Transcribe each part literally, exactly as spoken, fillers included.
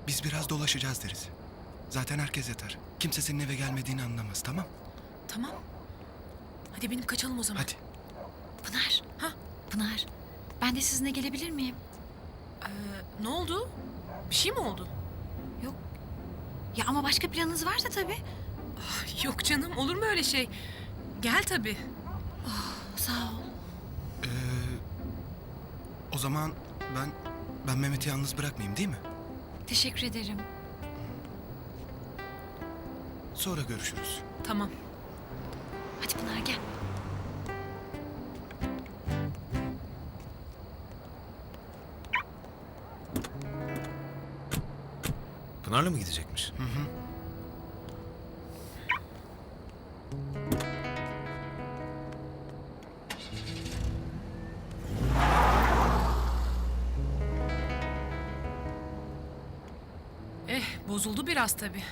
Biz biraz dolaşacağız deriz. Zaten herkes yatar. Kimse senin eve gelmediğini anlamaz, tamam? Tamam. Hadi benim kaçalım o zaman. Hadi. Pınar. Ha? Pınar. Ben de sizinle gelebilir miyim? Ee, ne oldu? Bir şey mi oldu? Yok. Ya ama başka planınız varsa tabii. Ah, yok canım, olur mu öyle şey? Gel tabii. Sağ ol. Ee, o zaman ben ben Mehmet'i yalnız bırakmayayım, değil mi? Teşekkür ederim. Sonra görüşürüz. Tamam. Hadi Pınar gel. Pınar'la mı gidecekmiş? Hı hı. Eh, bozuldu biraz tabii.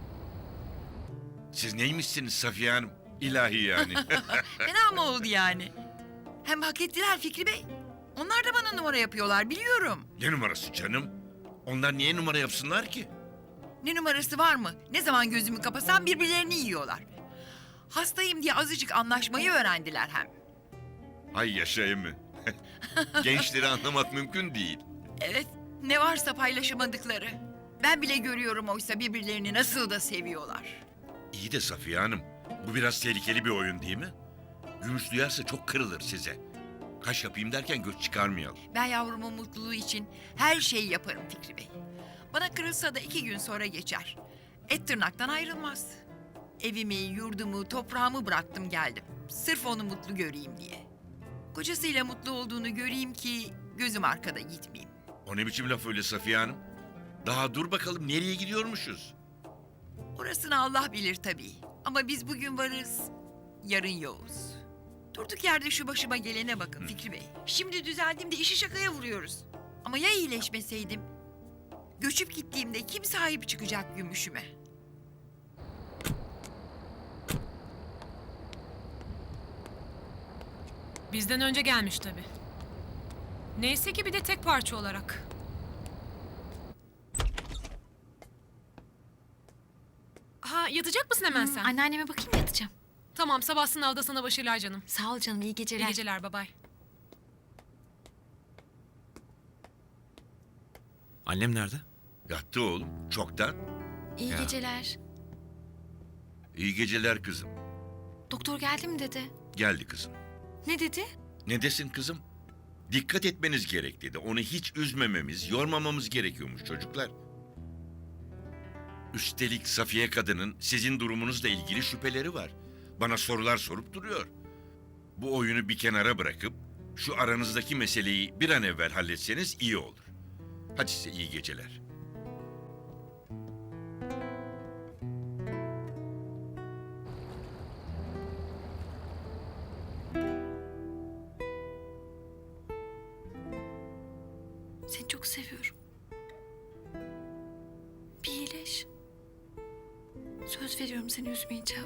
Siz neymişsiniz Safiye Hanım? İlahi yani. Fena mı oldu yani? Hem hak ettiler Fikri Bey. Onlar da bana numara yapıyorlar biliyorum. Ne numarası canım? Onlar niye numara yapsınlar ki? Ne numarası var mı? Ne zaman gözümü kapasam birbirlerini yiyorlar. Hastayım diye azıcık anlaşmayı öğrendiler hem. Ay yaşayayım mı? Gençleri anlamak mümkün değil. Evet, ne varsa paylaşamadıkları. Ben bile görüyorum oysa birbirlerini nasıl da seviyorlar. İyi de Safiye Hanım, bu biraz tehlikeli bir oyun değil mi? Gümüş duyarsa çok kırılır size. Kaş yapayım derken göz çıkarmayalım. Ben yavrumun mutluluğu için her şeyi yaparım Fikri Bey. Bana kırılsa da iki gün sonra geçer. Et tırnaktan ayrılmaz. Evimi, yurdumu, toprağımı bıraktım geldim. Sırf onu mutlu göreyim diye. Kocasıyla mutlu olduğunu göreyim ki gözüm arkada gitmeyeyim. O ne biçim laf öyle Safiye Hanım? Daha dur bakalım nereye gidiyormuşuz? Orasını Allah bilir tabii. Ama biz bugün varız, yarın yoğuz. Durduk yerde şu başıma gelene bakın Fikri Bey. Şimdi düzeldiğimde işi şakaya vuruyoruz. Ama ya iyileşmeseydim? Göçüp gittiğimde kim sahip çıkacak gümüşüme? Bizden önce gelmiş tabii. Neyse ki bir de tek parça olarak. Ha, yatacak mısın hemen sen? Anneanneme bakayım yatacağım. Tamam, sabah sınavda sana başarılar canım. Sağ ol canım, iyi geceler. İyi geceler, bye bye. Annem nerede? Yattı oğlum, çoktan. İyi Ya. geceler. İyi geceler kızım. Doktor geldi mi dedi? Geldi kızım. Ne dedi? Ne desin kızım? Dikkat etmeniz gerek dedi. Onu hiç üzmememiz, yormamamız gerekiyormuş çocuklar. Üstelik Safiye kadının sizin durumunuzla ilgili şüpheleri var. Bana sorular sorup duruyor. Bu oyunu bir kenara bırakıp şu aranızdaki meseleyi bir an evvel halletseniz iyi olur. Hadi size iyi geceler. Seni çok seviyorum. Bir iyileş. Söz veriyorum seni üzmeyeceğim.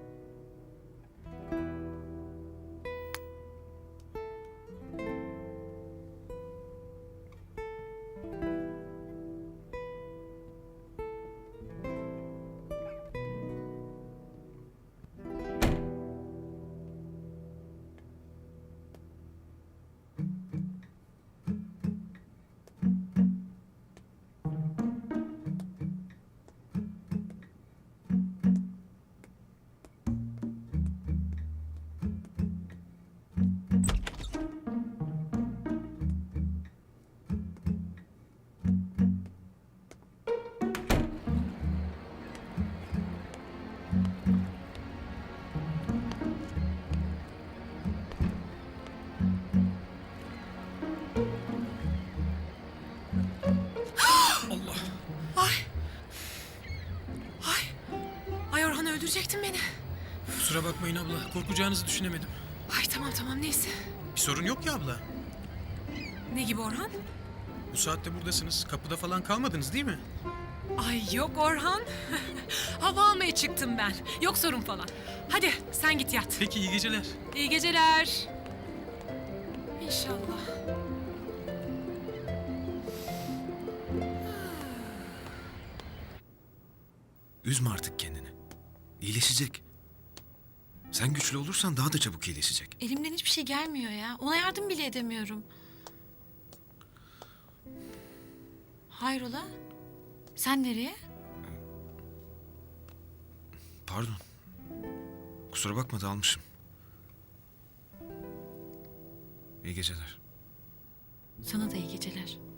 Ay Orhan, öldürecektin beni. Kusura bakmayın abla. Korkacağınızı düşünemedim. Ay tamam tamam, neyse. Bir sorun yok ya abla. Ne gibi Orhan? Bu saatte buradasınız. Kapıda falan kalmadınız değil mi? Ay yok Orhan. Hava almaya çıktım ben. Yok sorun falan. Hadi sen git yat. Peki iyi geceler. İyi geceler. İnşallah. Üzme artık kendini. İyileşecek. Sen güçlü olursan daha da çabuk iyileşecek. Elimden hiçbir şey gelmiyor ya. Ona yardım bile edemiyorum. Hayrola? Sen nereye? Pardon. Kusura bakma dalmışım. İyi geceler. Sana da iyi geceler.